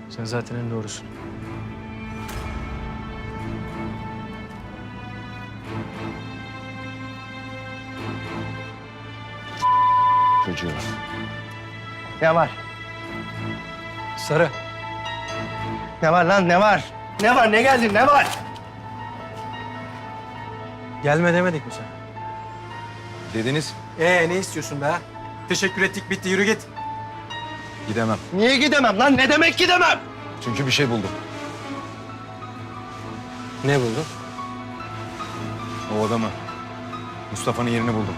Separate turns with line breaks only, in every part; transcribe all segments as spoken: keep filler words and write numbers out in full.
Sen zaten en doğrusun.
Çocuğu. Ne var?
Sarı.
Ne var lan ne var? Ne var ne geldin ne var?
Gelme demedik mi sen?
Dediniz,
Ee ne istiyorsun be? Teşekkür ettik, bitti, yürü git.
gidemem.
Niye gidemem lan? Ne demek gidemem?
Çünkü bir şey buldum.
Ne buldun?
O adamı, Mustafa'nın yerini buldum.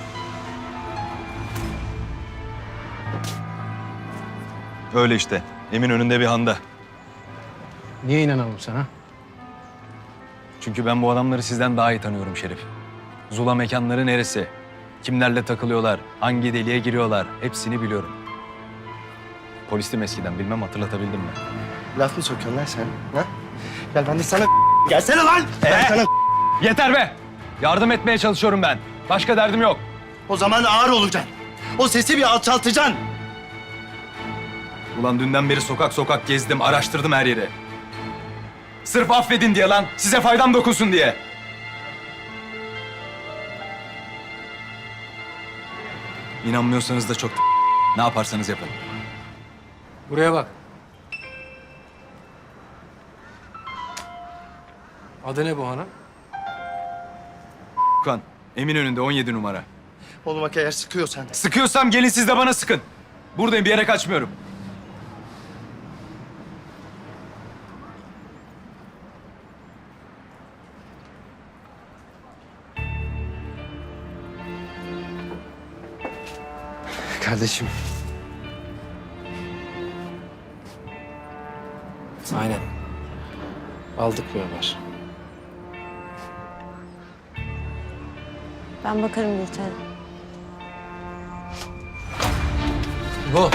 Öyle işte, Emin önünde bir handa.
Niye inanalım sana?
Çünkü ben bu adamları sizden daha iyi tanıyorum Şerif. Zula mekanları neresi? Kimlerle takılıyorlar? Hangi deliğe giriyorlar? Hepsini biliyorum. Polistim eskiden, bilmem hatırlatabildim mi?
Laf mı sokuyorsun lan sen? Ha? Gel ben de sana gelsene lan. Ben sana
Yeter be! Yardım etmeye çalışıyorum ben. Başka derdim yok.
o zaman ağır olacaksın. O sesi bir alçaltacaksın.
Ulan dünden beri sokak sokak gezdim, araştırdım her yeri. Sırf affedin diye lan, size faydam dokunsun diye. İnanmıyorsanız da çok ne yaparsanız yapın.
Buraya bak. Adı ne bu hanım?
Kan, Emin önünde on yedi numara.
Oğlum bak eğer sıkıyorsan.
Sıkıyorsam gelin siz de bana sıkın. Buradayım, bir yere kaçmıyorum.
Kardeşim.
Aynen. Aldık bir haber.
Ben bakarım Gülten.
Bu.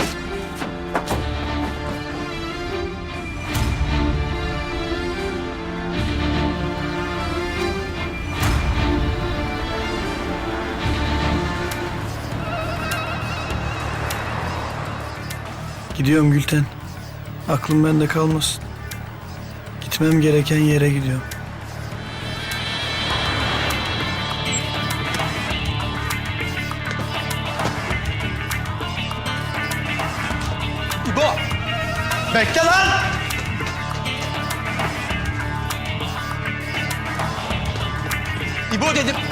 Gidiyorum Gülten. Aklım bende kalmasın. Gitmem gereken yere gidiyorum.
İbo! Bekle lan! İbo dedim.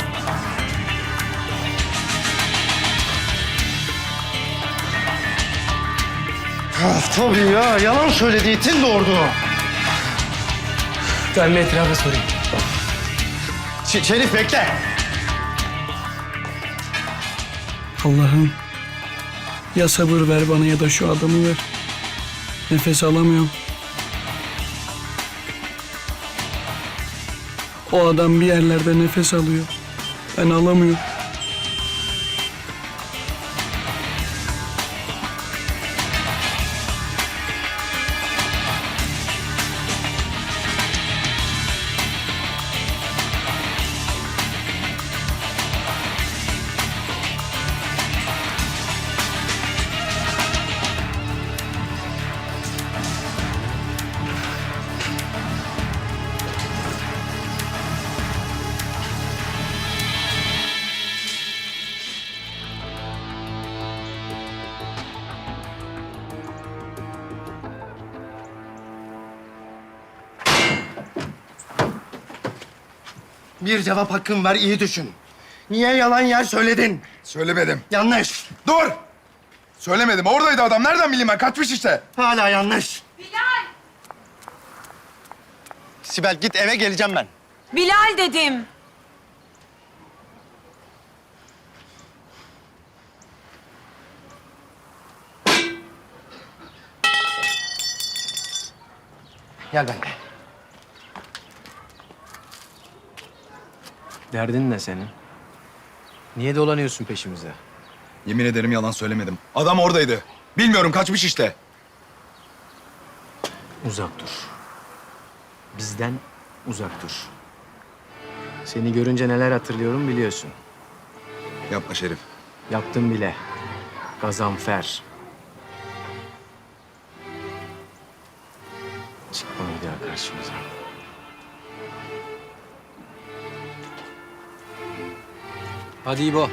Ah, tabii ya. Yalan söylediği için doğurdu.
Ben bir etrafa sorayım.
Ş- Şerif bekle.
Allah'ım ya sabır ver bana ya da şu adamı ver. Nefes alamıyorum. O adam bir yerlerde nefes alıyor. Ben alamıyorum.
Bir cevap hakkın var, iyi düşün. Niye yalan yer söyledin?
Söylemedim.
Yanlış.
Dur! Söylemedim. Oradaydı adam. Nereden bileyim ben? Kaçmış işte.
Hala yanlış. Bilal! Sibel git eve, geleceğim ben.
Bilal dedim.
Gel benimle.
Derdin ne senin? Niye dolanıyorsun peşimize?
Yemin ederim yalan söylemedim. Adam oradaydı. Bilmiyorum, kaçmış işte.
Uzak dur. Bizden uzak dur. Seni görünce neler hatırlıyorum biliyorsun.
Yapma Şerif.
Yaptım bile. Gazanfer.
Çıkma bir daha karşımıza.
Hadi İbo.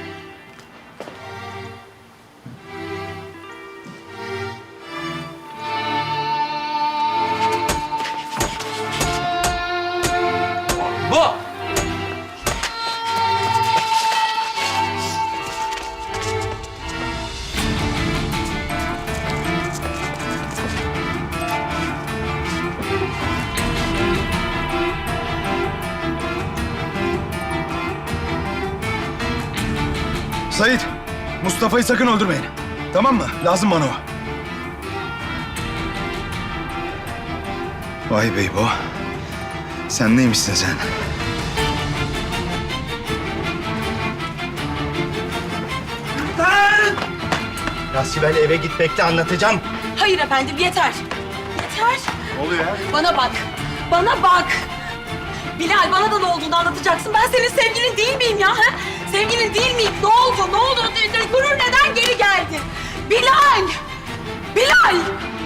Bu.
Sait, Mustafa'yı sakın öldürmeyin. Tamam mı? Lazım bana o. Vay bey bu. Sen neymişsin sen?
Ya Sibel eve git bekle anlatacağım.
Hayır efendim yeter. Yeter.
Ne oluyor ya?
Bana bak. Bana bak. Bilal bana da ne olduğunu anlatacaksın. Ben senin sevgilin değil miyim ya? Ha? Sevgilin değil miyim? Ne oldu? Ne oldu? Gurur neden geri geldi? Bilal! Bilal!